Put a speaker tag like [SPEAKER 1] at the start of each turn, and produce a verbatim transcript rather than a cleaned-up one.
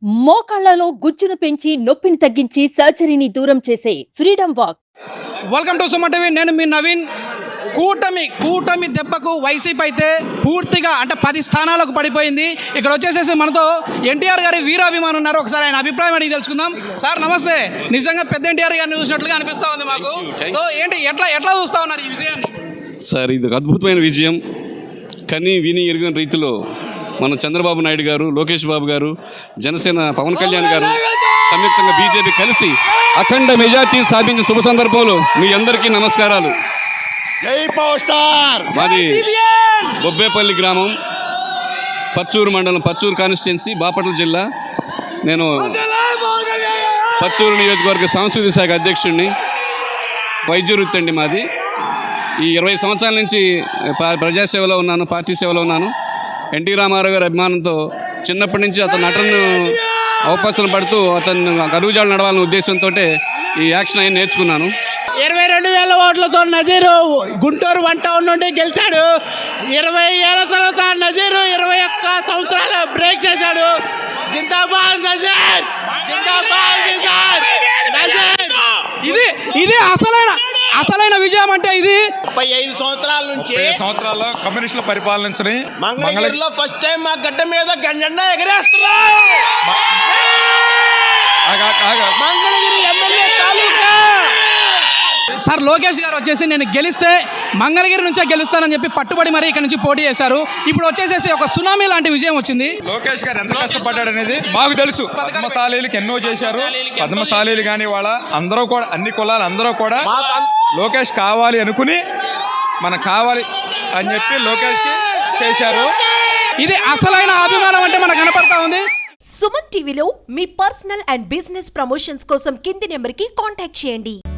[SPEAKER 1] మోకాళ్లలో గుజ్జును పెంచి నొప్పిని తగ్గించి సర్జరీని దూరం చేసే freedom walk.
[SPEAKER 2] Welcome to Suman TV. నేను మీ నవీన్. కూటమి కూటమి దెబ్బకు వైసీపీ అయితే పూర్తిగా అంటే పది స్థానాలకు పడిపోయింది. ఇక్కడ వచ్చేసేసి మనతో ఎన్టీఆర్ గారి వీరాభిమానులు ఉన్నారు. ఒకసారి ఆయన అభిప్రాయం అడిగి తెలుసుకుందాం. సార్ నమస్తే. నిజంగా పెద్ద ఎన్టీఆర్ గారిని చూసినట్లుగా అనిపిస్తా ఉంది మాకు. సో ఏంటి ఎట్లా ఎట్లా చూస్తా ఉన్నారు ఈ విజయాన్ని?
[SPEAKER 3] సార్ ఇది ఒక అద్భుతమైన విజయం. కని విని ఎరిగిన రీతిలో మన చంద్రబాబు నాయుడు గారు, లోకేష్ బాబు గారు, జనసేన పవన్ కళ్యాణ్ గారు సంయుక్తంగా బీజేపీ కలిసి అఖండ మెజార్టీ సాధించిన శుభ సందర్భంలో మీ అందరికీ నమస్కారాలు.
[SPEAKER 4] జై పవర్ స్టార్.
[SPEAKER 3] మాది బొబ్బేపల్లి గ్రామం, పచ్చూరు మండలం, పచ్చూరు కాన్స్టిట్యున్సీ, బాపట్ల జిల్లా. నేను పచ్చూరు నియోజకవర్గ సాంస్కృతిక శాఖ అధ్యక్షుడిని. వైద్య వృత్తి అండి మాది. ఈ ఇరవై సంవత్సరాల నుంచి ప్రజాసేవలో ఉన్నాను, పార్టీ సేవలో ఉన్నాను. ఎన్టీ రామారావు గారి అభిమానంతో చిన్నప్పటి నుంచి అతను నటనను అవకాశం పడుతూ అతను అడుగుజాడలు నడవాలనే ఉద్దేశంతో ఈ యాక్షన్ అయ్యి నేర్చుకున్నాను.
[SPEAKER 4] ఇరవై రెండు వేల ఓట్లతో నజీరు గుంటూరు వన్ టౌన్ నుండి గెలిచాడు. ఇరవై ఏళ్ళ తర్వాత నజీరు ఇరవై ఒక్క సంవత్సరాలు బ్రేక్ చేశాడు. జిందాబాద్ నజీర్, జిందాబాద్ నజీర్, నజీర్.
[SPEAKER 2] ఇది ఇది అసలైన అసలైన విజయం అంటే ఇది.
[SPEAKER 4] ముప్పై ఐదు సంవత్సరాల నుంచి
[SPEAKER 5] సంవత్సరాల కమ్యూనిస్టుల పరిపాలన
[SPEAKER 4] మంగళగిరిలో ఫస్ట్ టైం మా గడ్డ మీద జెండా ఎగరేస్తున్నా. మంగళగిరి ఎమ్మెల్యే తాలూకా.
[SPEAKER 2] సార్ లోకేష్ గారు వచ్చేసి నేను గెలిస్తే మంగళగిరి నుంచే గెలుస్తానని చెప్పి పట్టుబడి మరి ఇక్కడ నుంచి పోటీ చేశారు. ఇప్పుడు వచ్చేసేసి ఒక సునామీ లాంటి విజయం వచ్చింది.
[SPEAKER 5] లోకేష్ గారు ఎంత కష్టపడ్డాడు అనేది మాకు తెలుసు. పద్మశాలీలకు ఎన్నో చేశారు. పద్మశాలీలు కానీ వాళ్ళ అందరూ కూడా, అన్ని కులాలు అందరూ కూడా లోకేష్ కావాలి అనుకుని మనకు కావాలి అని చెప్పి లోకేష్కి చేశారు.
[SPEAKER 2] ఇది అసలైన అభిమానం అంటే మనకు కనపడతా ఉంది.
[SPEAKER 6] సుమన్ టీవీలో మీ పర్సనల్ అండ్ బిజినెస్ ప్రమోషన్స్ కోసం కింది నెంబర్కి కాంటాక్ట్ చేయండి.